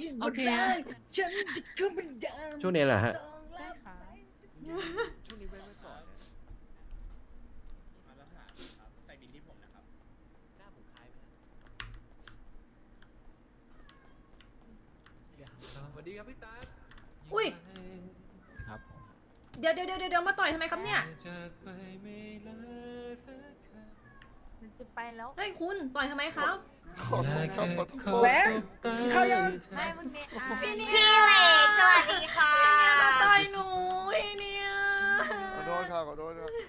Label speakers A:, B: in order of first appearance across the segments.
A: โอเค
B: ช่วงนี้แหละฮะ
C: ช่วงนี้ไม่ก่อน
D: ใส่บินที่ผมนะครับ
C: หน้าผมคล้ายไหมสวัสดีครับพี่ตา
A: อุ้ย
B: ครับ
A: เดี๋ยวมาต่อยทำไมครับเนี่ย
E: จะไปแล้ว
A: เฮ้ยคุณต่อยทำไมครับ
F: แหวนเข้ายัง
E: ไม่มึงเนี่ย
A: พี่เนี่ย
E: พี่เวกสวัสดีค่ะ
A: มาต่อยหนูพี่เนี่ย
F: ขอโทษครับขอโทษครับ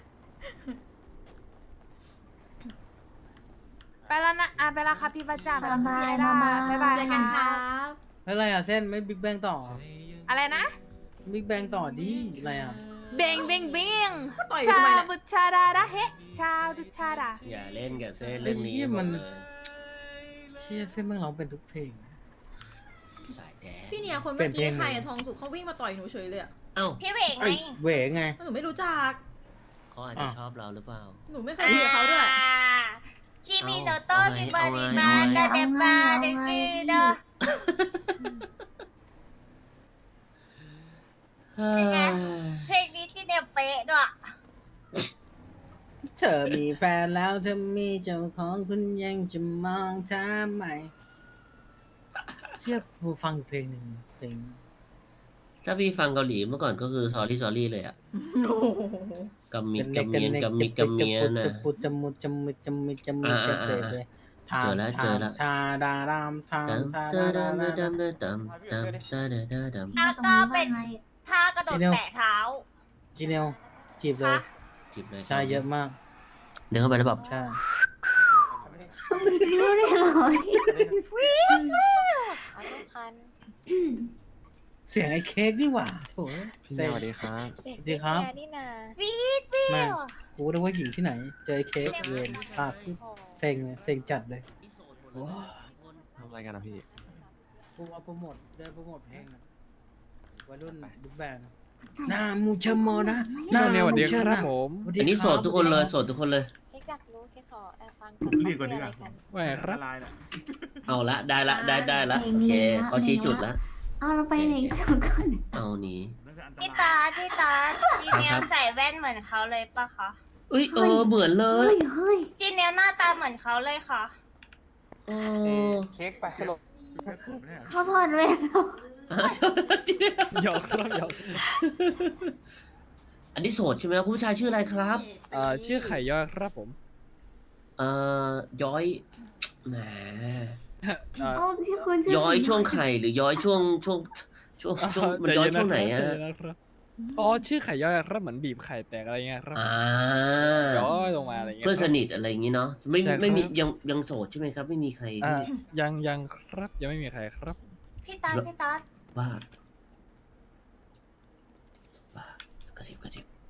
E: ไปแล้วนะไปแล้วครับพี่ประจักษ์
G: บ๊ายบาย
E: พี่ไอด้า
G: บ๊ายบาย
E: บ๊ายบาย
A: เจอกันค
E: ค่ะ
A: รับ
H: อะไรอ่ะเส้นไม่บิ๊กแบงต่อ
E: อะไรนะ
H: บิ๊กแบงต่อดิอะไรอ่ะ
E: เบงเบงเบง
A: ต่อย
E: ชา
A: ทำไมเนี่ย
E: บุชาดาดาเฮชาดุชาดา
D: อย่าเล่นกับเส้นเรื่องนี้
H: ไอ้เหี้ยมัน
D: หดเลย
H: เชี่ยเส้นเมืองร้องเป็นทุกเพลง
D: สายแดน
A: พี่เนี่ยคน
H: เปลี่
A: เมื่
H: ย
A: อน
H: เพล
A: กี้
H: ง
A: ใครอะทองสุกเขาวิ่งมาต่อยหนูเฉยเลยอะ
D: เอ้า
E: พี่เวกไง
H: เอ้ยเหวไง
A: หนูไม่รู้จัก
D: เขาอาจจะชอบเราหรือเปล่า
A: หนูไม่เคยคุยกับเขาด้วย
E: คิมิโนโตะ
D: เอาไง
E: มิบาริ
D: เอาไง
E: มา
D: เอาไง
E: กาเดบาเดกิโด เพลงนี้ที่เนี่ยเป๊ะด้วย
H: เธอมีแฟนแล้วเธอมีเจ้าของคุณยังจะมองทำไมเชี่ยผู้ฟังอีกเพลงหนึ่งเพลง
D: ถ้าพี่ฟังเกาหลีเมื่อก่อนก็คือ sorry sorry เลยอะ
A: โอ้โห
D: กัมมิดกัมเมียนกัมมิดกัมเมียน
H: จะ
D: นะ
H: ปุดจะมุดจะมุดจะมุดจะมุดจะเตะเลย
D: เจอแล้วเจอแล้ว
H: ทาดารามทา
D: ตัม
H: ทา
D: ตา
H: ดา
D: ดัม
H: รา
D: ดั
H: ราม
D: ดัมดัมดัมดัมดัมดัมดัม
E: แล้วก็เป็นท่ากระโดดแตะเท้า
H: จีเนลจีบเลย
D: จีบเลย
H: ใช่เยอะมาก
D: เดินเข้าไปแล้วแบบ
H: ใช่
G: ต้องมีนิ้วเลยเหรอ
H: เสียงไอ้เค้กนี่หว่าโถ่
B: พี่แนวสวัสดีครับ
H: สวัสดีครับ
E: วีดวิ
H: มาว กูนึกว่าหญิงที่ไหน เจอไอ้เค้กเวรปากขึ้นเซ็งเลยเซ็งจัดเลย
B: ทำอะไรกันนะพี่
H: กูเอาโปรโมทเดินโปรโมทเพลงอะวัยรุ่นบิ๊กแบงหน้ามูเชโมนะหน้า
B: พี่แนวสวัสดี
H: มูเช
B: ค
H: นะ
B: รับผม
H: สวัสดี
D: อันนี้
H: ครับ
D: โสดทุกคนเลยโสดทุกคนเลย
E: เค้กอยากรู้เค้กขอฟัง
F: เรียกก่อนดีกว่า
B: ว่าไงครับ
D: เอาละได้ละได้ละโอเคเขาชี้จุดละ
G: เอาเราไปไหนสองคน
D: เอาหนี
E: พี่ตาจีเนียลใส่แว่นเหมือนเขาเลยปะคะ
D: เอ้ยเหมือนเล
G: เฮ้
D: ย
G: ยเฮ้ย
E: จีเนียลหน้าตาเหมือนเขาเลยค่ะ
D: เออ
F: เค้กไปขนม
G: เขาถอดเวรแล้ว
B: หยอกครับหยอก
D: อันนี้โสดใช่ไหมครับคุณผู้ชายชื่ออะไรครับ
B: ชื่อไข่ย่อยครับผม
D: ย้อยแหม
G: โอ้ที่คุณชื่อ
D: ย้อยช่วงไข่หรือย้อยช่วงมันย้อยช่วงไหนอะ
B: ใจเย็นะครับอ๋อชื่อไข่ย่อยครับเหมือนบีบไข่แตกอะไรเงี้ยครับ ย้อยลงมาอะไรเงี้ย
D: เพื่อนสนิทอะไรอย่างงี้เนาะไม่
B: ใช่ครับ
D: ไม่มียังโสดใช่ไหมครับ ไม่มีใคร
B: ยังครับยังไม่มีใครครับ
E: พี่ตา
D: ว่ากระซิบ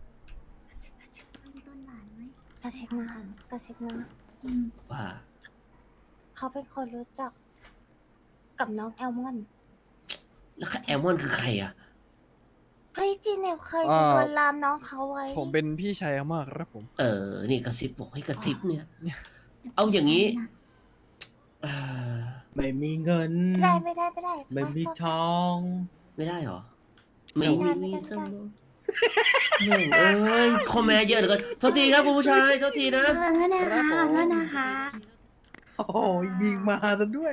G: ต้นหลานไหม
E: กระซิบมา
D: ว่า
E: เขาเป็นคนรู้จัก กับน้องแอลมอน
D: แล้วแอลมอนคือใครอ่ะ
E: เฮ้ยจีเนียลเคยลวนลามน้องเขาไว้
B: ผมเป็นพี่ชายมากครับผม
D: นี่กระซิบบอกให้กระซิบเนี่ย เอาอย่างนี้อ่า
H: ไม่มีเงิน
E: ไม่ได้
H: ไม่มีทอง
D: ไม่ได้หรอไม่มีสมองเม่งเอ้ยคอมเมนต์เยอะเหลือเกินโทษทีครับคุณผู้ชายโทษทีนะ
G: ขอโทษนะคะขอโทษนะคะ
H: โอ้โหมีมาซะด้วย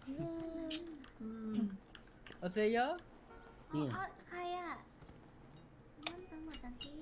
H: เอาเซเยอะ
D: เนี่ย
G: ใครอ่ะนั่นตำรวจจังที่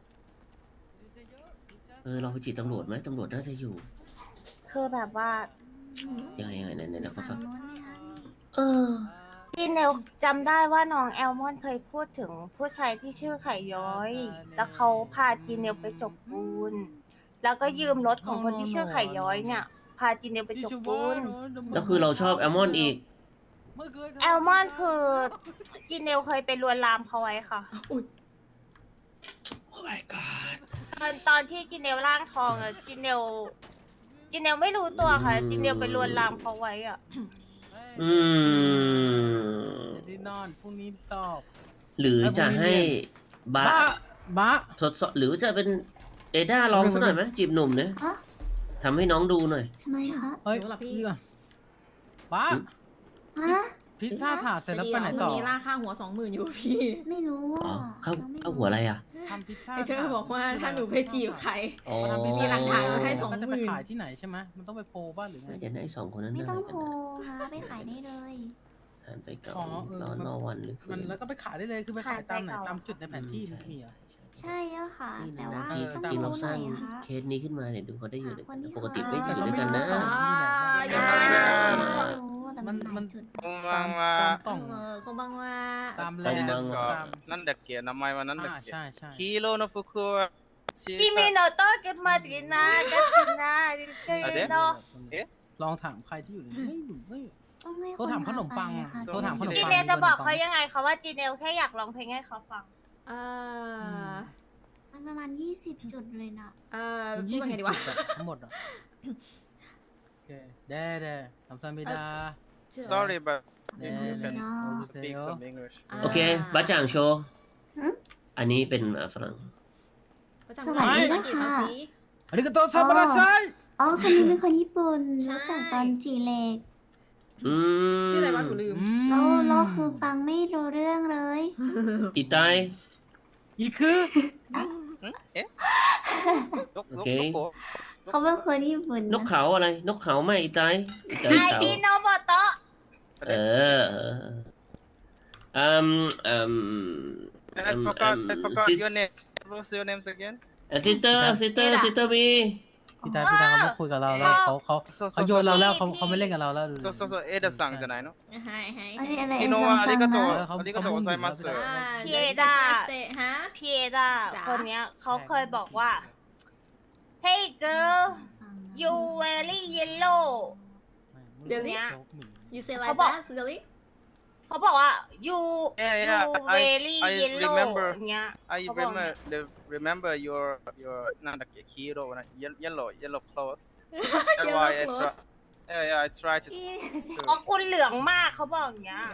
D: เราไปจีบตำรวจไหมตำรวจน่าจะอยู่
E: คือแบบว่า
D: ยังไงไหนเขาฟัง
G: โน้นไหมคะ
E: จีเนียลจำได้ว่าน้องแอลมอนเคยพูดถึงผู้ชายที่ชื่อไข่ย้อย แล้วเขาพาจีเนียลไปจบปูน แล้วก็ยืมรถของคนที่ชื่อไข่ย้อยเนี่ย พาจีเนียลไปจบปูน
D: แล้วคือเราชอบแอลมอนอีก
E: แอลมอนคือจีเนียลเคยไปลวนลามเขาไว้ค่ะ
D: โอ้ my god
E: ตอนที่จีเนียลร่างทองอะจีเนียลไม่รู้ตัวค่ะจีเนียลไปลวนลามเขาไว้อะ
H: ที่นอนพรุ่งนี้สอบ
D: หรือจะให้บะ
H: บ้า
D: ทดสอบหรือจะเป็นเอด้าลองสักหน่อยไหมจีบหนุ่มเนี่ย
G: ฮะ
D: ทำให้น้องดูหน่อย
G: ทำไมคะ
H: เฮ้ย
A: รู้เหรอพี่
H: นี่ก่อนบ้า
G: ฮะ
H: พิซซ่าถาดเสร็จแล้วไปไหน
A: จะ
H: ต่อ
A: ดีเรพรุ่งนี้ล่าค่าหัว20,000อยู่พี่
G: ไม่รู้
D: อ๋อ
G: อ่ะ
D: เข้า
G: เราไม่
D: เข้าหัวอะไรอ่ะ
H: ทำพิซซ่า
A: ไอเธอบอกว่าถ้าหนูไปจีบใคร
D: อ๋อ
A: มีหลักฐานมาให้สอง
H: มันจะไปขายที่ไหนใช่ไหมมันต้องไปโพลบ้านหรือไง
D: น่าจะได้สองคนนั้น
G: ไม่
D: ได้
G: ต้อง
D: กัน
G: โพล
D: นะ
G: ฮะไปขายได้เลย
D: ทานไปเก่า
H: อ๋อเออ
D: นอนวันหรือคื
H: มัน
D: น
H: แล้วก็ไปขายได้เลยคือไปขายตามไหนตามจุดในแผนที่มันมีเหรอ
G: ใช่อะค่ะ
D: นี่
G: แต่
D: นะ
G: ว่า
D: ที่
G: ต้อง
D: ที่เรา
G: รู้
D: ส
G: หน่
D: ร้า
G: อง ยอะคะ
D: เคสนี้ขึ้นมาเนี่ยดูเขาได้อยู่ด้วยกัน
G: คนที่
D: ปกติ
G: เขา
D: ไม่อยู่
H: แต่
D: ด้วยกันนะ
H: ก็ไม่รู้
G: ไม่รู้แต่มันหลายจุด
H: ตามกล่อง
A: คงบังว่า
H: ตามแล
D: ตาม
H: น
D: บาง
H: ด์
D: ว่า
H: ตาม
C: なんだっけ名前はなんだっけ
H: ใช่ใช่
C: 黄色の服は
E: กิมิโนโตะเก็บมาตินากัตินาดิเกโน
H: ลองถามใครที่อยู่ในนี้ไม่รู้ไม่
G: ต้องให้
H: โทรถามขนมปัง
G: พาไปค่ะ
H: โทรถามขนม
E: จี
H: ปัง
E: เนลจะบอกเขายังไงเขาว่าจีเนลแค่อยากร้องเพลงให้เขาฟัง
A: เอ่อ
G: มันประมาณ20 จุดเลยนะ
A: พูด
H: ยี่
A: ว่า
H: สิ
A: ไง
H: บ
A: ดีวะ
H: ทั้งหมดอ่ะโอเคเด้ทำซันเบดา
C: Sorry but
H: เด้
C: you can
G: เนาะ
C: speak some English
D: โอเคบ้าจ่างโชว์
G: หืม
D: อันนี้เป็นฝรั่ง
A: ประจำวันจีบเขาสิ
H: อาริกาโตซาบาราไซ
G: อ๋อคนนี้เป็นคนญี่ปุ่น
A: ใช่
G: รู้จักตอนจีเล็ก
D: อืม
A: ชื่ออะไรวะหนูลืม
G: เราคือฟังไม่รู้เรื่องเลย
D: อีไต
H: อีคือ
C: ど
D: โอเค
C: こ
G: เขาเป็นคนญี่ปุ่น
D: นกเขาอะไร นกเขาไหมอีไตอีไต
E: ไอ
D: เขา
E: พีโนโมโตะ
D: เออ
C: I forgot
D: sis-
C: your name What's your name again
D: ซิสเตอร์บี
H: พี่ตาเขาไม่คุยกับเราแล้วเขาโยนเราแล้วเขาไม่เล่นกับเราแล้ว
C: そうエダさんじゃないの
A: ให้
G: อะไร
C: 昨日はありがとう
H: เขา
C: ありがとうございます
E: พีเอดา
A: ฮะ
E: พีเอดา
A: จ๋า
E: คนเนี้ยเขาเคยบอกว่า Hey girl you very yellow
A: you say like
E: เขาบอก
A: that really
E: เขาบอกว่า you
C: Yeah,
E: you
C: yeah,
E: very
C: I
E: yellow
C: remember
E: เงี้ย
C: I
E: เขาบอก
C: remember your なんだっけ黄色な yellow clothes That's why I try I try to
E: อ๋อคุณเหลืองมากเขาบอกอย่างเงี้ย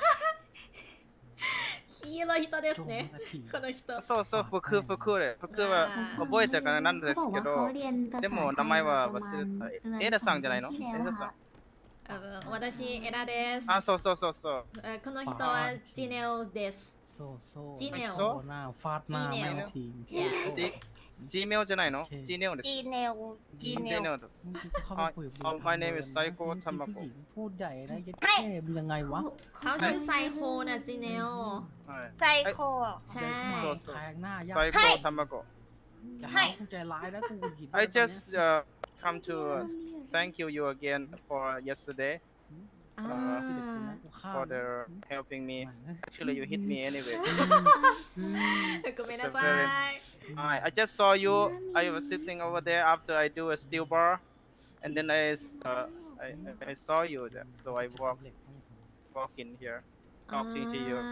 A: 黄色い人ですねこの人
C: そう服で服は覚えてからなんですけ
G: เขา
C: ど
G: เรียนภาษา
C: でも名前は忘れたエダさんじゃないのエダさん
A: 私エラです
C: あそう
A: この人はジネオです
H: โซ่
A: จีเนล
H: หน้าฟาดหน้าไม่ที
C: G メオじゃないの G ネオです
E: จีเนลจีเน
C: G
E: ล
C: ネオ My name is Saiko Tamako
H: พูดใหญ่นะยัดแค่ยังไงวะ
A: เขาชื่อไซโคนะจีเนล
E: ไซโค
A: ใช่
H: แทงหน้ายาก
C: サイコタマコ
H: อย่าหากูใจร้ายนะกูหยิบ
C: I just come to thank you again for yesterday
A: อ่า
C: for the helping me actually you hit me anyway
A: ごめんなさい
C: I just saw you I was sitting over there after I do a steel bar and then I saw you there so I walk in here talking to you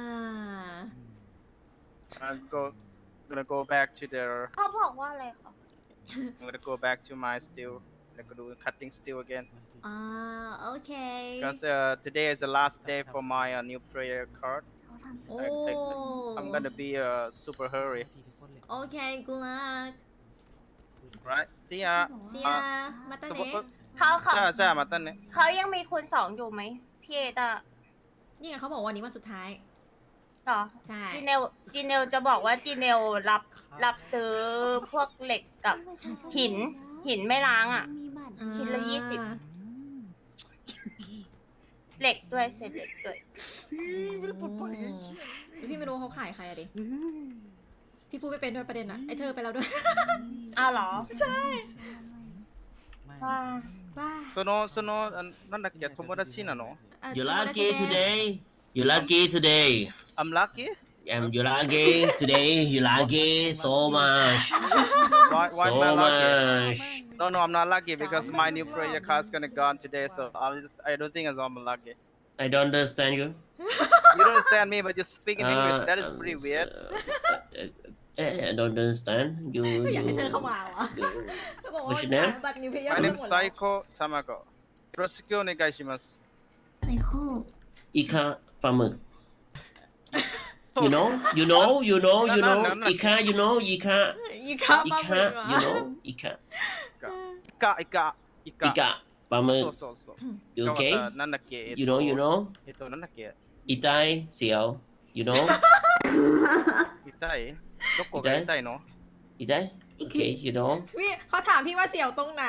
A: อ่า
C: I'm gonna go back to the
E: เขาบอกว่าอะไรคะ
C: I'm gonna go back to my steel I'm gonna do cutting steel again
A: อ่าโอเค
C: because today is the last day for my new prayer card
A: โอ้
C: I'm gonna be a super hurry
A: โอเคกูรัก
C: right see ya
A: เสียมาตาเนะ
C: じゃあまたね
E: เขายังมีคูณสองอยู่ไหมพี่เอดา
A: นี่ไงเขาบอกวันนี้วันสุดท้าย
E: ต่อ
A: ใช่
E: จีเนลจะบอกว่าจีเนลรับซื้อพวกเหล็กกับหินไม่ล้างอ่ะ ชิ้นละ20 เหล็กด้วยเศษเหล็กด้วย
A: พี่ไม่รู้เขาขายใครอะดิ พี่พูดไม่เป็นด้วยประเด็นอะไอเธอไปแล้วด้วย
E: อ้าวเหรอ ใช่ว้า
A: ว้า
C: そのなんだっけ友達なの
D: You lucky today You lucky today
C: I'm lucky
D: You lucky today You lucky so much
C: why
D: so
C: am I lucky
D: much
C: no I'm not lucky because my new prayer card is gonna gone today so I don't think I'm lucky
D: I don't understand you
C: you don't understand me but you speak in English that is pretty weird
D: I don't understand you
A: อยากให้เธอเข้ามาเหรอบอกว่า
D: What's your name?
A: บัตรนิวเพย์
C: my
A: ทั้
C: name
A: งหม
C: is
A: ดแล้ว
C: Saiko Tamako よろしくお願いします
G: ไซโค
D: อีคาปลาหมึก you knowอีคา you know อีคา
A: อีกครับ
D: อีคา you know อีคา
C: イカ
D: อีกะปลาหมึก
C: So.
D: you okay
C: Nanake.
D: you know
C: Ito nanake.
D: อีไตเสียว you know
C: Itay. Loko
D: Itay?
C: ka itay, no?
D: อีไต okay you know
A: พี่เขาถามพี่ว่าเสี่ยวตรงไหน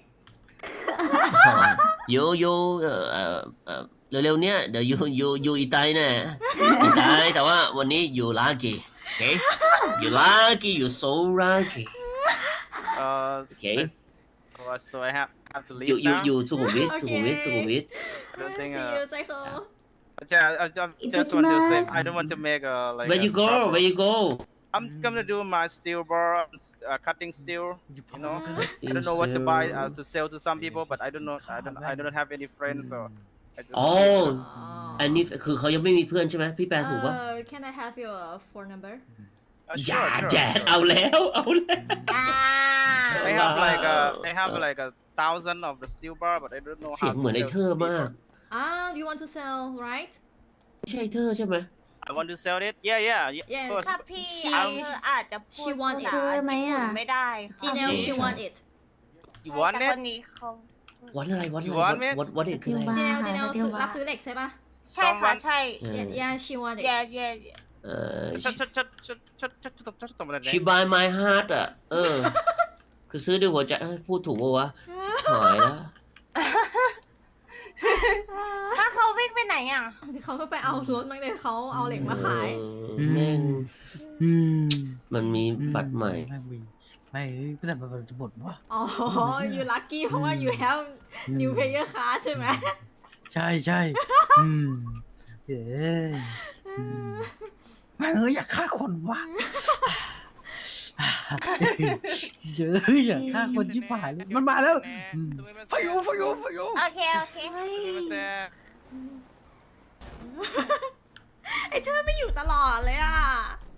D: you เร็วๆเนี้ยเดี๋ยวyou อีไตแน่อีไตแต่ว่าวันนี้ you lucky okay you lucky you so lucky Okay.
C: So I have to leave
D: you
C: now.
D: สุขุมวิท
A: โอเค
D: สุขุมวิท
C: I don't think.
A: See you cycle
C: I just want to say I don't want to make like.
D: where you go
C: trouble.
D: where you go
C: I'm gonna do my steel bar, cutting steel. You know, I don't know what to buy to sell to some people, but I don't have any friends, so. I just
D: อ๋ออันนี้คือเขายังไม่มีเพื่อนใช่ไหมพี่แปลถูกปะ
A: Can I have your phone number
D: อย่า
C: Sure.
D: แจกเอาแล้ว
C: They have like 1,000 of the steel bar, but I don't know
D: เสีย
C: how
D: ง
C: to
D: เหมือนไอ้
C: sell
D: เธอ
C: to
D: มาก
C: people.
A: you want to sell right
D: ไม่ใช่เธอใช่ไหม
C: I want to sell it. Yeah.
A: Yeah.
C: Of course.
E: ถ้าพี่
A: She-
E: อาจจะพูด
A: she want
E: ภาษา
G: ซื้อไหมอะ
E: ญี่ปุ่นไม่ได้ค่ะ
A: Janelle she
D: ใช่
A: want it
C: You want
E: แต่
C: it?
E: คนนี้เขา
D: วันอะไร
C: You want it?
D: วัดเด็กคืออะไร
A: Janelle
G: เดี๋ยวว่า
A: รับซื้อเหล็กใช่ปะ
E: ใช่ค่ะ ใช่
A: Yeah she want it
E: เย่
D: เออ
C: ちょっと待ってね。
D: she buy my heart อ่ะคือซื้อด้วยหัวใจพูดถูกปะวะชิบหายแล้ว
E: ถ้าเขาวิ่งไปไหนอ่ะ
A: เขาก็ไปเอารถมั้งเลยเขาเอาเหล็กมาขาย
D: แม่ง
H: อืม
D: มันมีบัตรใหม่
H: ไม่แต่มันจะหมดวะ
A: อ๋อ you lucky เพราะว่า you have new player card ใช่ไหม
H: ใช่อืมเย้แม่งอยากฆ่าคนวะเยอะอยากฆ่าคนชิบหายเลยมันมาแล้วไฟโอ
E: โอเค
A: ไอ้เธอไม่อยู่ตลอดเลยอ่ะ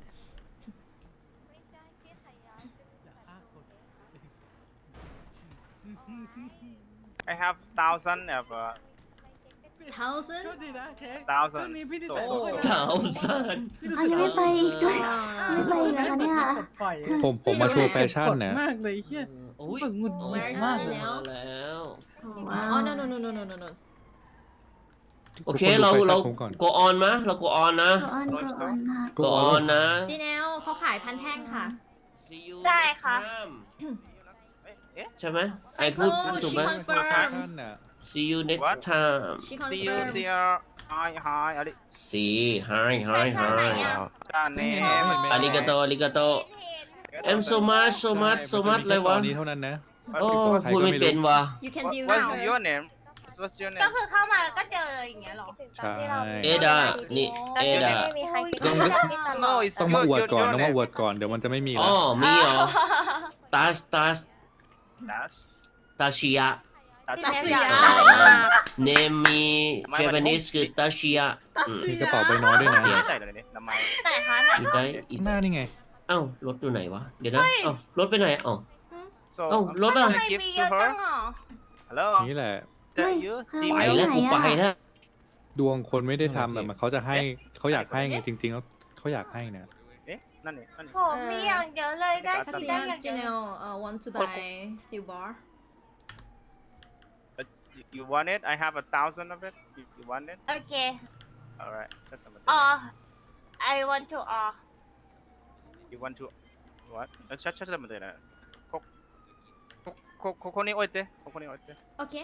C: I have 1,000 of
A: thousand
C: 1,000.
D: เท่าสัน
G: เอายังไม่ไปอีกด้วยไม่ไปอีกนะคะเนี่ย
B: ผมมาโชว์แฟชั่นนะ
H: มากเลยเฮีย
D: โอ้ย
H: หงุดหงิด
A: Where's
H: มาก
A: Janelle
D: แล้ว
G: ว้า
A: อ๋อ
G: ว
A: no no no no no no no
D: โอเคเรา
B: ผมก่อน
D: go on มะเรา go on นะ
G: ก็ออนค่ะ
D: go on นะ
A: จีเนลเขาขายพันแท่งค่ะ
D: See you
E: ได้
D: next
E: ค่ะ
D: time
C: え
D: ใช่ไหมไอพูดถูกไหม
A: she confirm
D: see you next
C: What?
D: time
A: she
C: See you,
A: confirm
C: see you. Hi.
D: see hi
E: แฟชั่นไหนอ่ะ
D: อาริกาโตอาริกาโต I'm so much เลยวะ
B: ตอนนี้เท่านั้นนะ
D: โอ้พูดไม่เป็นวะ
A: you can deal
C: What's
A: now
C: your name? What's your
E: ก็
C: name?
E: คือเข้ามาก็เจอเลยอย่างเงี้ยเหรอ
B: ใช่
D: เอดานี่เอดา
C: No, it's
B: ต้องมาอวด
C: your
B: ก่อน
C: your
B: ต้องมา
C: name.
B: อวดก่อนเดี๋ยวมันจะไม่มี
D: อ๋
B: แล้
D: อ
B: ว
D: มีเหรอตา
C: Das.
D: ตาชิยะ
C: Das.
D: เนมมีเจแปนิสคือตาชิยะ
B: มีกระเป๋าใบน้อยด้วยนะ
C: 名前名前
E: ไหนคะไหน
D: อีไตอี
B: หน้านี่ไง
D: เอ้ารถอยู่ไหนวะ เดี๋ยวนะเอ้ารถไปไหนเอ้า
C: So
D: Oh,
C: I'm
D: Lola.
C: gonna
E: ทำไม
C: give
E: มี
C: to
E: เยอะจัง
C: her.
E: อ่ะ
C: Hello.
B: นี่แหละ
C: Is that you? See
D: ไป
C: me?
D: แล้วกูไปแล้ว
B: ดวงคนไม่ได้ทำแบบมันเขาจะให้เขาอยากให้ไงจริงๆแล้วเขาอยากให้นะ
C: え何
E: ผมมีอย่างเดียวเลยได้
A: ถ้า
E: กิน
A: จี
E: ได้อย่างเดียว
A: เนลwant to buy steel bar
C: You want it? I have 1,000 of it. You want it?
E: โอเค
C: Alright.
E: อ๋อ I want to อ๋อ
C: You want to what? ちょっと待ってね。ここに置いて。ここに置いて。
A: โอเค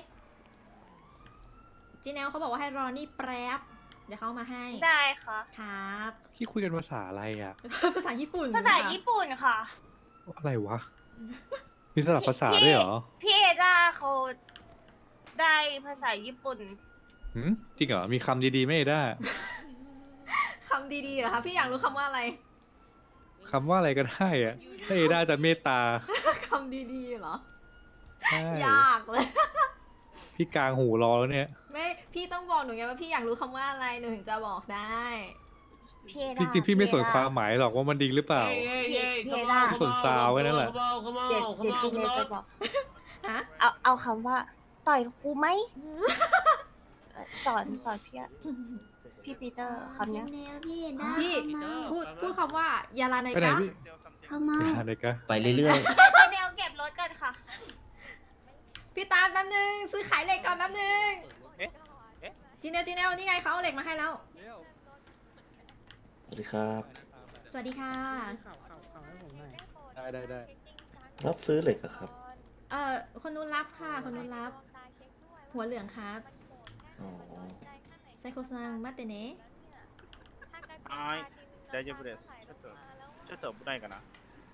A: จีเนลเขาบอกว่าให้รอนี่แป๊บเดี๋ยวเขาเอามาให้
E: ได้ค่ะ
A: ครับ
B: ที่คุยกันภาษาอะไรอ่ะ
A: ภาษาญี่ปุ่น
E: ภาษาญี่ปุ่นค่ะ
B: อะไรวะ มีสลับภาษาด้วยเหรอ
E: พี่เอด้าเขาได้ภาษาญี่ปุ่น
B: หืมจริงเหรอ มีคำดีๆไม่ได้
A: คำดีๆเหรอคะพี่อยากรู้คำว่าอะไร
B: คำว่าอะไรก็ได้อ่ะถ้าเอด้าจะเมตตา
A: คำดีๆเหรอ
B: ใช่
A: ยากเลย
B: พี่กลางหูรอแล้วเนี่ย
A: ไม่พี่ต้องบอกหนูไงว่าพี่อยากรู้คำว่าอะไรหนูถึงจะบอกได้
E: พี่เอ
B: จ
E: ด้า
B: ริงๆพี่ไม่สนความหมายหรอกว่ามันดีหรือเปล่า ส่วนซาวแค่นั้นแหละ
E: เด็ดเด็ดจริงเลยจะบอก
A: ฮะ
E: เอาคำว่า ต่อยกูไหมสอนพี่อะพี่ปีเตอร์คำเนี้ย
G: พี่ได้
A: พี่พูดคำว่ายาลาไน
B: ไปไหน
A: กะ
B: พี่
G: เข้ามา
B: ไปหาเด็กอะ
D: ไปเรื่อย
E: เดี๋ยวเก็บรถกันค่ะ
A: พี่ตาานแป๊บนึงซื้อขายเหล็กก่อนแป๊บนึง
C: เอ๊ะเอ๊ะ
A: จีเนลนี่ไงเขาเอาเหล็กมาให้แล้ว
I: สวัสดีครับ
A: สวัสดีค่ะ
B: ได้
I: รับซื้อเหล็กอะครับ
A: คนนู้นรับค่ะ คนนู้นรับ หัวเหลืองครับ
I: อ๋อ
A: ไซโคซังมาเตเนะ
C: はい大丈夫ですちょっと危ないかな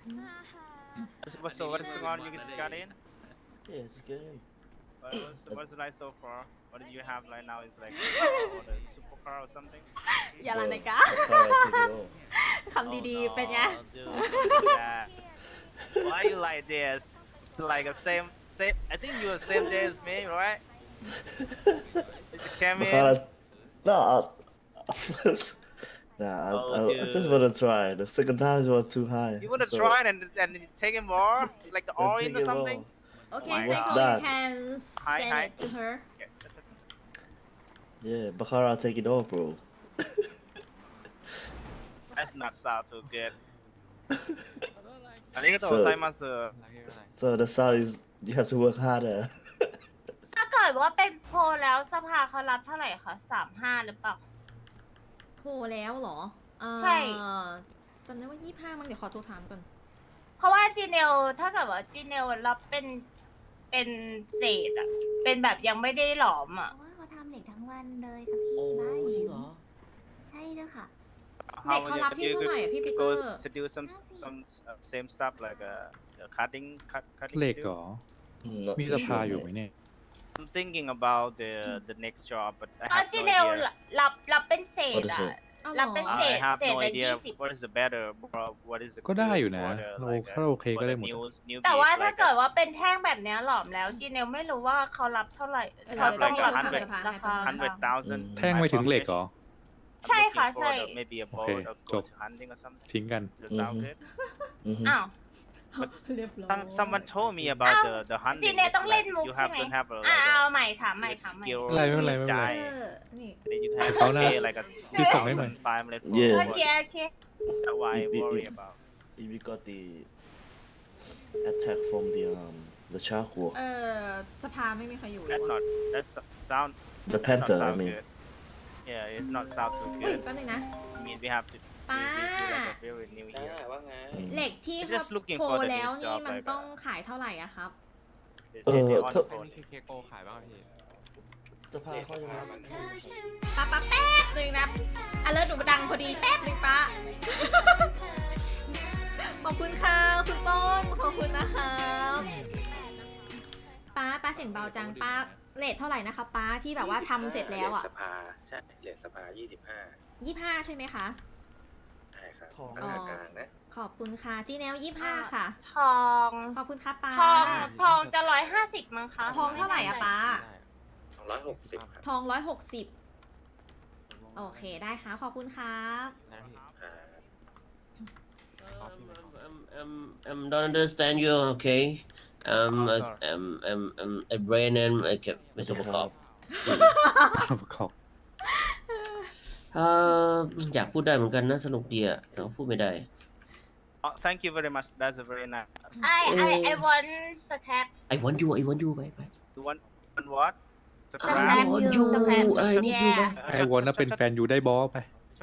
C: So what's going on? You guys got in?
I: Yeah, it's good.
C: What's like so far? What do you have right now? Is like or the supercar or something?
A: อย่าละนะกะ คำดีๆ เป็นไง
C: Oh, dude, yeah. Why you like this? Like a same. I think you are same day as me, right? It's came in.
I: Makala, no, first, nah,
C: Oh,
I: I just
C: dude.
I: want to try. The second time was too high.
C: You wanna
I: so
C: try it and take it more, like the
I: I
C: oil
I: take
C: or
I: it
C: something?
I: all.
A: Okay,
C: Oh my
A: Seiko,
I: God.
A: you can
C: Hi,
A: send
C: hi.
A: it to her.
I: Yeah, Bakara, take it all, bro.
C: That's not sound too good. ありがとうございます。
I: So the sound is you have to work harder.
E: ถ้าเกิดว่าเป็นโพลแล้วสภาเขารับเท่าไหร่คะ35หรือเปล่า
A: โทรแล้วเหรอ
E: ใช่
A: จำได้ว่า25มั้งเดี๋ยวขอโทรถามก่อน
E: เพราะว่าจีเนลถ้าเกิดว่าจีเนลรับเป็นเศษอะเป็นแบบยังไม่ได้หลอมอะ
G: เพราะว่าเขาทำเหล็กทั้งวันเลยค่ะพี่บ้าเห็นใช่ด้วยค่ะ
A: เด็กเขารับที่เท่าไหร่อะพี่ปีเตอร์
C: to do some same stuff like cutting
B: เหล็ก
C: too?
B: เหรอ
I: Not
B: มี
I: too
B: สภา
I: sure,
B: อยู่
I: mate.
B: ไหมเนี่ย
C: I'm thinking about the next job, but I
E: อ๋อ
C: have
E: จี
C: no
E: เนล
C: idea.
E: รับเป็นเศษ
I: What is
E: อะ
I: it?
A: เอาเหร
E: รับ
A: อ
E: เป็น
C: I have no
E: เศษละ
C: idea
E: 20
C: what is the better, bro. What is the
B: ก็ได้
C: good
B: อยู่นะ
C: for the,
B: เรา
C: like,
B: ถ้าโอเคก็
C: for
B: ได้
C: the
B: หมด
C: new
E: แต่ว่า
C: beef,
E: ถ้า
C: like
E: เกิด
C: a-
E: ว่าเป็นแท่งแบบเนี้ยหลอมแล้วจีเนลไม่รู้ว่าเขารับเท่าไหร่
A: เดี๋ยว
E: เขาต้อง
C: เดี๋ยว
E: รับ
C: เดี๋ยว
E: ราคา
C: 100,000.
B: แท่งไปถึงเหล็กเหรอ
C: I'm
E: ใช่ค่ะ
C: looking
E: ใช่
C: for the- maybe a boat
B: Okay,
C: or go
B: jump.
C: to hunting or something.
B: ทิ้งกัน
C: Does that sound
I: Mhm.
C: good?
I: Mhm.
E: อ้าว
A: เรียบร้อย
C: Someone told me about
E: Ow.
C: the hunting.
E: จีเนล
C: It's
E: ต้องเล่น
C: like
E: มุก
C: you
E: ใช่
C: have
E: ไหม
C: to have a
E: เอา
C: like
E: ใหม่ถามใหม่
C: a
E: ถามใหม่
C: skill
B: ไม่เป็นไรไม่เป็นไร
C: guy.
A: นี่
C: Then you have
B: เขา
C: to
B: น่า
C: pay like a
B: พี่ส่งให้หน่อย
C: 2,500 for
I: Yeah.
E: โอ
C: what-
E: เคโอเค
C: That's why I
I: It-
C: worry about.
I: If we got the attack from the charcoal,
A: สภาไม่มีใครอยู่เลย
C: That's
A: วะ
C: not. That's sound.
I: the
C: That's not
I: panther. I
C: sound
I: mean,
C: good. Yeah, it's not sound too
A: เฮ้ย
C: good.
A: แป๊บนึงนะ
C: I mean, we have to.
A: Pa.
C: We do like a very new year.
I: mm.
A: เหล็กที่
C: Just looking
A: โทร
C: for the
A: แล้ว
C: new
A: นี่
C: job,
A: มัน
C: like,
A: ต้องขายเท่าไหร่อะครับ
C: They on
I: ถ้า
C: phone.
J: เคโกขายบ้างพี่
I: สภาเขาจะรับ
A: ป้าแป๊บนึงนะเลิศหนูดังพอดีแป๊บนึงป้า ขอบคุณค่ะคุณต้นขอบคุณนะคะป้าเสียงเบาจังป้าเลทเท่าไหร่นะคะป้าที่แบบว่าทำเสร็จแล้วอ่ะ
J: สภาใช่เลทสภา
A: 25 ใช่ไหมคะ
J: ใช่ครับ
I: ทอง
A: อ๋อ
J: กลางนะ
A: ขอบคุณค่ะจีแนล25 ค่ะ
E: ทอง
A: ขอบคุณค่ะป้า
E: ทองจะ150มั้งคะ
A: ทองเท่าไหร่อะป้า
J: 160ครับ
A: ทอง160 โอเคได้ค่ะขอบคุณครับ
J: นะพี่
D: don't understand you okay
C: Oh, sorry.
D: a brain and like ไม่สมประกอบ
B: ประกอบ
D: อยากพูดได้เหมือนกันนะสนุกดีอะแต่ว่าพูดไม่ได้
C: Oh, thank you very much. That's a very nice.
E: I want scrap
D: I want you ไป
C: You want what?
D: I
E: Scrap
D: want
E: you.
D: you
E: Scrap you.
D: I need you ไป
B: ไอวอนน่ะเป็นแฟนอยู่ได้บอไป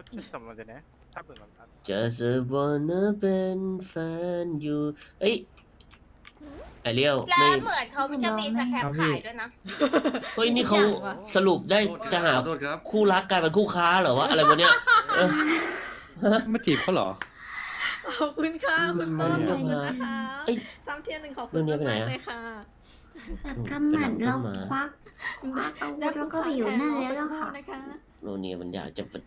D: just wanna เป็นแฟนอยู่เอ้ยไอเลี้ยว
E: แล้
D: ไม่
E: วเหมือนเขาจะมีสแครปขายด้วยนะ
D: เฮ้ยนี่เขาสรุปได้จะหาคู่รักกลายเป็นคู่ค้าเหรอวะอะไรวะเนี่ยเออ
B: มาจีบเขาเหรอ
A: ขอบคุณค่ะคุณต้น
D: ไม่
A: ขอบคุณ
D: ได้
A: นะคะ
D: เอ้ย
A: ซ้ำเทียนหนึ่งขอบคุ
D: เรื่
A: ณ
D: องนี้ไปไหน
A: มาก
D: อะ
A: ๆเลยค่ะ
G: แบบกำหมัดเราควักอาวุธแล้วก็ไปอยู่นั่นแล้วล่ะค่ะ
A: นะคะ
D: โนเนี่ยมันอยากจะเป็น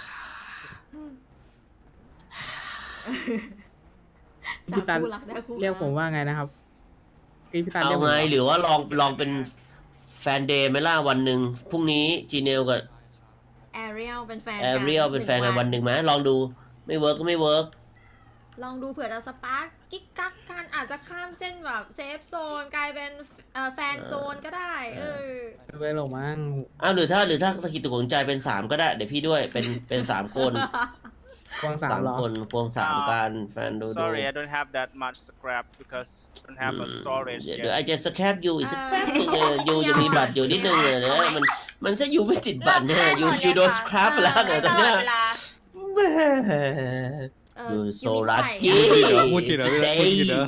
H: พี่ตัน
A: คู่รักได้คู่
H: เรียกผมว่าไงนะครับพี่ตัน
D: เอา
H: เรียกผม
D: ไง
H: ว่า
D: หรือว่าลองเป็นแฟนเดย์ไหมล่ะวันหนึ่งพรุ่งนี้จีเนลกับ
A: แอเรียลเป็นแฟน
D: แอเรียลเป็นแฟนกันวันหนึ่งไหมลองดูไม่เวิร์กก็ไม่เวิร์ก
A: ลองดูเผื่อจะสปาร์กกิ๊กกักกันอาจจะข้ามเส้นแบบเซฟโซนกลายเป็นแฟนโซนก็ได้
H: ไปหลงมั้ง
D: อ้าวหรือถ้าตะกิดตะขวงใจเป็น3ก็ได้เดี๋ยวพี่ด้วยเป็น3คน
H: ควงสาม
D: สาม
H: เหรอ
D: คนควงสามกันแฟนดู
C: Sorry, I don't have that much scrap because I don't have a storage
D: เดี๋ยว
C: yet.
D: ไอจะสแคปยูอีกสักแป๊บนึงยูจะมีบัตรอยู่นิดนึงเลยนะมันถ้ายูไม่ติดบัตรเนี่ยยูโดนสครับไปแล้วเนี่ยตอนเนี้ย
E: เวลา
D: แม่ ยูโซลักกี้
B: พูดจริงเหรอ
D: today
B: พูดจริงเหรอ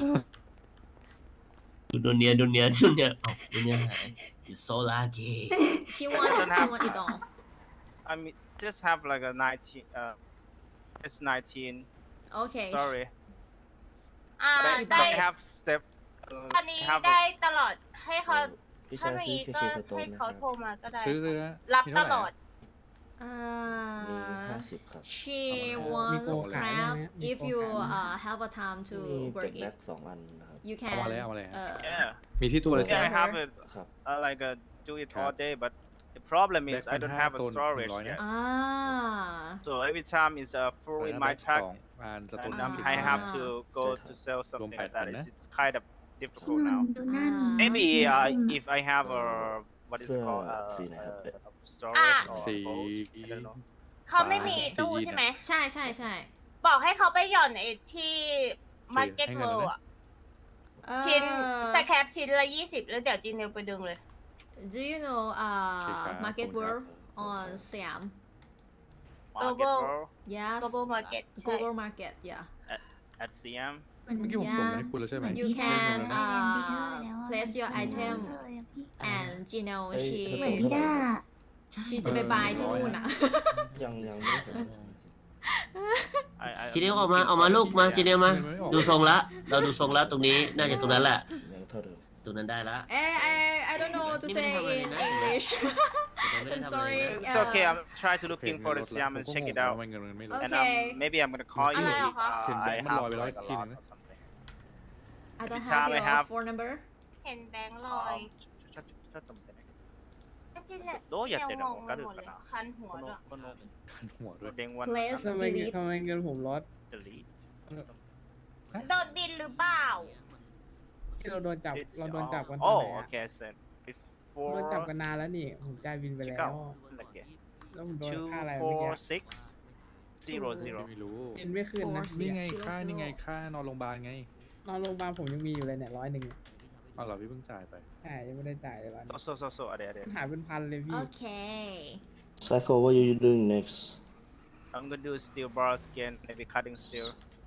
D: ดูเนียหายยูโซลักกี้
A: she want it all
C: I mean, just have like a 19. It's 19.
A: okay
C: Sorry,
E: ได้
C: but I have step.
E: อันนี้
C: have
E: ได้
C: a,
E: ตลอดให้เขา
I: พี่
E: ถ้า
I: ชาย
E: มี
I: ซื้อ
E: ก็
I: เคสโต
E: ให้
I: นไหมค
E: เขา
I: รับ
E: โทรมาก็ได้
B: ซื้อเลยนะ
E: รับ
B: มี
E: ต
B: เท่าไห
E: ล
B: ร่
E: อด
I: มี
A: uh
I: 50 ครับ
A: she
H: มี
A: wants
H: โกขาย
A: scrap
H: ไหม
A: if
H: มี
A: you
H: โกขายไหม
A: have a time to
I: มีเก็
A: work
I: บแบ็
A: it
I: ก2 อันนะครับ
A: you
B: เอา
A: can
B: มาเลยเอามาเลย
C: yeah.
B: มีที่ตัวเลย
C: Yeah,
B: ใช่ไหม
C: I have it.
I: ครับ
C: Like do it all day, but the problem is I don't have a
B: Black Panther
C: storage
B: 100
C: yet.
A: อ่า
C: So every time it's full in my
B: 2
C: truck,
B: อันสตูน
C: and
B: น้ำ
C: I have to go to sell something like that. It's kind of difficult now.
G: ดูหน้าหมี
C: Maybe if I have a what is it called storage or
B: See.
C: boat, I don't know.
E: เขาไม่มีตู้ใช่ไหม
A: ใช่ใช่ใช่
E: บอกให้เขาไปหย่อนไอ้ที่ Market
B: ให้เงิน
E: World
B: นะ
E: อ่ะ ชิ้นสแครปชิ้นละ 20 แล้วเดี๋ยวจีนเนลไปดึงเลย
A: do you know
B: ครับ
A: market world on Siam
C: Market
E: Global.
C: World
A: yes
E: Global Market ใช่
A: global market yeah
C: at Siam.
B: เมื่อกี้ผมส่งไปให้คุณแล้วใช่ไหม
A: you can
G: เรียนไปเถอะแล้วอะ
A: place your item
G: เลยอะพี่
A: and Gino
I: เอ้ย
A: she
G: เหมือนพี่ด้า
A: she จะไปบายที่นู่นอ่ะ
I: ยังไม่ได้ส่ง
D: จีเนียออกมาลูกมาจีเนียมาดูทรงละเราดูทรงละตรงนี้น่าจะตรงนั้นแหละ
I: ยังเท่าเดิม
D: ตรงนั้นได้ละ
A: I don't know to say in English I'm sorry
C: It's okay. I'm trying to looking for the Siam and check it out.
B: ไม่เงินไม่ลด
C: And
A: Okay.
C: maybe I'm gonna call you
E: Ano
C: if
E: ka?
C: I
B: Can
C: have
B: Bang
C: like a
B: Malloy
C: lot
B: like
C: or something.
A: I don't
C: Every time
A: have
C: I
A: your
C: have-
A: phone number
E: เห็นแบงค์ลอย จีนเนล
C: どうやってるの
E: งงไปหมดเลย
C: わかるかな
E: คันหัวด้วย
B: หัวด้วย
C: 電話
A: Place
H: ทำไม
A: delete
H: ทำไมเงินผมลด
C: delete.
E: โดนบินหรือเปล่า
H: ที่เราโดนจับ
C: It's
H: เราโดนจับกัน
C: oh,
H: ตอนไหนอะ
C: okay. I said
H: โดนจับ
C: before
H: กันนานแล้วนี่ ผมจ่ายบินไปแล้ว
C: okay.
H: แล้วผมโดนค่าอะไรเมื่อกี้
C: 24600.
B: ไม่รู้
H: บินไม่ขึ้นนะ
A: Four
B: นี่ไง
A: Zero
B: ค่า
A: zero
B: นี่ไงค่านอนโรงพยาบาลไง
H: นอนโรงพยาบาลผมยังมีอยู่เลยเนี่ย100
B: เอาเหรอพี่เพิ่งจ่ายไป
H: ใช่ยังไม่ได้จ่ายเลยวัน
C: そうあれあれ。
H: หายเป็นพันเลยพี่
A: okay
I: Psycho what are you doing next
C: I'm gonna do steel bars again, maybe cutting steel.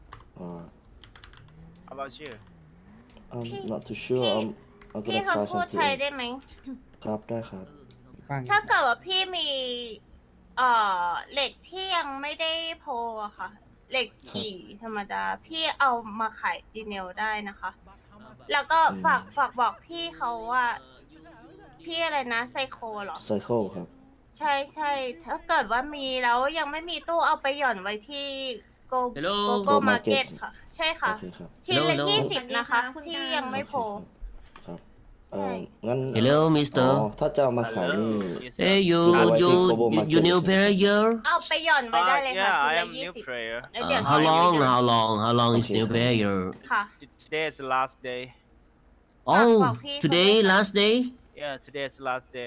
C: How about you?
I: I'm not too sure I'm
E: พี่
I: gonna
E: เขา
I: try
E: พูดไทย
I: something
E: ได้ไหม
I: ครับได้ครับ
H: ฟัง
E: ถ้าเกิดว่าพี่มีเหล็กที่ยังไม่ได้โพลอะค่ะ เหล็กขี่ธรรมดา พี่เอามาขายจีเนลได้นะคะ แล้วก็ฝากบอกพี่เขาว่า พี่อะไรนะไซโคเหรอ
I: Psycho ครับ
E: ใช่ใช่ถ้าเกิดว่ามีแล้วยังไม่มีตู้เอาไปหย่อนไว้ที่โก
D: Hello
E: โก้
I: Go
E: มาร์เก็ต
I: Market
E: ค่ะ ใช่ค่ะ
I: โอเคครับ
E: ชิ้นละ
D: Hello, hello
E: 20 นะคะ ที่ยังไม่โพล
I: ครับ
E: ใช่
I: งั้น
D: Hello
I: อ๋
D: Mister
I: อถ้าจะเอามาขายนี่
C: Yes,
D: Hey you
I: Go
D: you
I: to Global
D: you
I: Market
D: new player here
E: เอาไปหย่อนไว้ได้เลยค่ะ
C: yeah,
E: ชิ้น
C: I
E: ละ
C: am new
E: 20
C: player.
E: แล้วเดี๋ยว
D: how
E: จะ
D: long
E: ไป
D: how long is
I: Okay.
D: new player
E: ค่ะ
C: Today is the last day.
D: oh
E: บอกพี่
D: today
E: เขาด้วยค่ะ
D: last day
C: Yeah, today is the last day.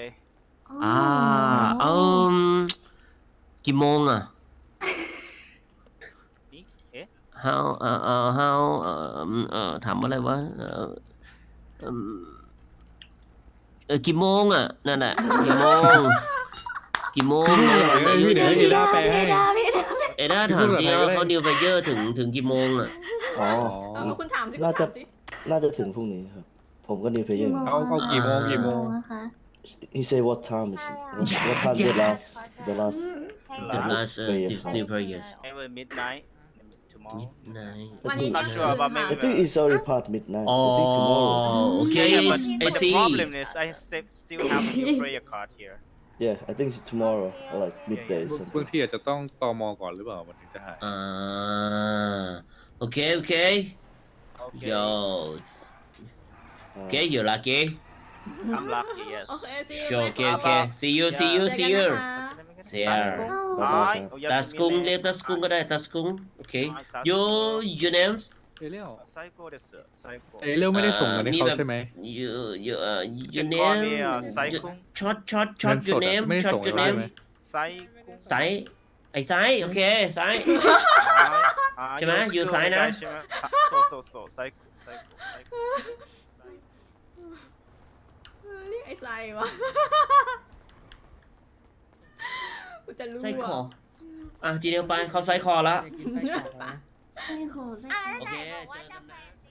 D: กี่โมงอ่ะ
C: นี่เอ๊ะ
D: how how ถามอะไรวะกี่โมงอ่ะนั่นแหละกี่โมงอายุ
B: เดี๋ยว
D: เ
B: เอด้าแปลให้
D: อด้าถามจริงว่าเขาดิวไฟเยอร์ถึงกี่โมงอ่ะ
I: อ๋อ
A: คุณถามสิคุณ
I: น่าจะ
A: ถามสิ
I: น่าจะถึงพรุ่งนี้ครับ ผมก็นิวเพย์
B: เอากี่โมง
G: อะคะ
I: He say what time is it what time the last
D: the last
I: prayer
D: this new prayers
C: Maybe midnight tomorrow.
D: midnight
A: วันนี้
C: Not sure about
I: I
C: maybe.
I: think it's already past midnight I think tomorrow
D: okay
C: Yeah, but,
D: I
C: but the
D: see
C: problem is I still have a new prayer card here.
I: yeah I think it's tomorrow like midday or
B: บาง
I: something
B: ทีอาจจะต้องตมก่อนหรือเปล่ามันถึงจะหาย
D: okay
C: Okay.
D: yo okay you lucky
C: I'm lucky, yes.
A: โอเค see you
D: sure
A: next
D: okay
A: time
D: okay see you
A: เจอกันนะคะ
D: see you
I: บ๊ายบาย
C: Hi.
I: ครับ
D: ตัสกุงเรียกตัสกุงก็ได้ตัสกุง okay your names
B: เอเรียว
C: 最高です。最高。
B: เอเรียวไม่ได้ส่งเงินให้เขาใช่ไหม
D: you your
C: can call me,
D: name
C: ไซคุง
D: short
B: เงินส
D: your
B: ดอะ
D: name
B: ไม่ได้
D: short
B: ส่ง
D: your
B: ให้เขาใช่
D: name
B: ไหม
C: 最高。
D: ไซอ้ซ้ายโอเคซ้าย ใช่ไหม
C: you're
D: อยู่
C: still
D: ซ้าย
C: the
D: นะ
C: guy ใช่ไหม so psycho
A: เรียกไอ้ไซวะ กูจะรู้
D: ไส้คอ
A: อะ
D: อ่ะทีเดียวไปเขาไส้คอแล้ว
G: ไส้โคไส้
E: อ่ะ
G: โค
E: แล้ว
D: โอ
E: ไหน
D: เค
E: บอกว่า
D: เจอ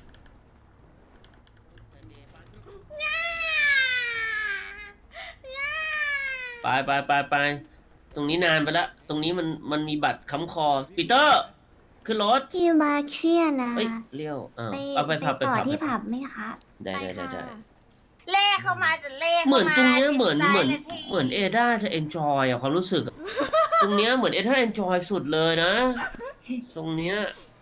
E: จะ
D: กัน
E: แฟ
D: นะ
E: นซี
D: ไปตรงนี้นานไปละตรงนี้มันมีบัตรค้ำคอปีเตอร์ขึ้นรถ
G: พี่มาเครียดนะ
D: เอ้ยเลี้ยวอ้าว
G: ไป
D: เอาไปผับ
G: ต่อ
D: ไป
G: ที่
D: ผับ
G: ผับไหมคะ
D: ได้
A: ไป
D: ได้ได้
A: ค่ะ
D: ได้
E: เล่เข้ามาจะเล่
D: เหมือนตรงเนี้ย
E: ข้าา
D: เหมือน
E: จิตใจ
D: เหมือน
E: ละที
D: เหมือนเอด้าจะเอนจอยอะความรู้สึกอะตรงเนี้ยเหมือนเอด้าเอนจอยสุดเลยนะตรงเนี้ย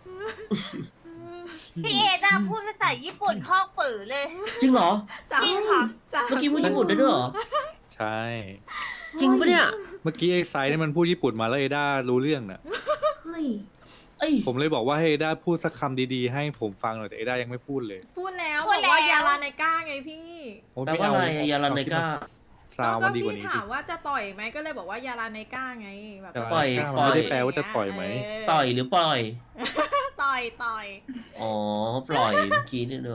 E: พี่เอดาพูดภาษาญี่ปุ่นคอกปือเลย
D: จริงเหรอ
A: จ้า
E: จริงค่ะ
A: จ้า
D: เมื่อกี้พูดญี่ปุ่นได้ด้วยเหรอ
B: ใช่
D: จริงปะเนี่ย
B: เมื่อกี้ไอ้ไซด์เนี่ยมันพูดญี่ปุ่นมาแล้วเอด้ารู้เรื่องน่ะ
G: เฮ้ย
D: เอ้ย
B: ผมเลยบอกว่าให้เอด้าพูดสักคำดีๆให้ผมฟังหน่อยแต่เอด้ายังไม่พูดเลย
A: พูดแล้ว
E: พู
A: บ
E: ด
A: อก
E: แล้ว
A: ว่ายาลาไนก้าไงพี่
B: โอ้ย
D: แปล
B: ไม่
D: ว่า
B: เอา
D: อะไรอะยาลาไนก้า
B: ซาว
A: ก็
B: มันดีกว่า
A: พี่
B: นี้
A: ถา
B: ดิ
A: มว่าจะต่อยไหมก็เลยบอกว่ายาลาไนก้าไงแบบ
B: ยาลา
D: ปล่อย
B: ไนก้า
D: ปล่
B: มัน
D: อย
B: ไม่ได้แปลว่าจะต่อยไหม
A: เ
D: ต่อยหรือปล่อย
A: ต่อย
D: อ๋อ ปล่อยเมื่อกี้นี่เนอะ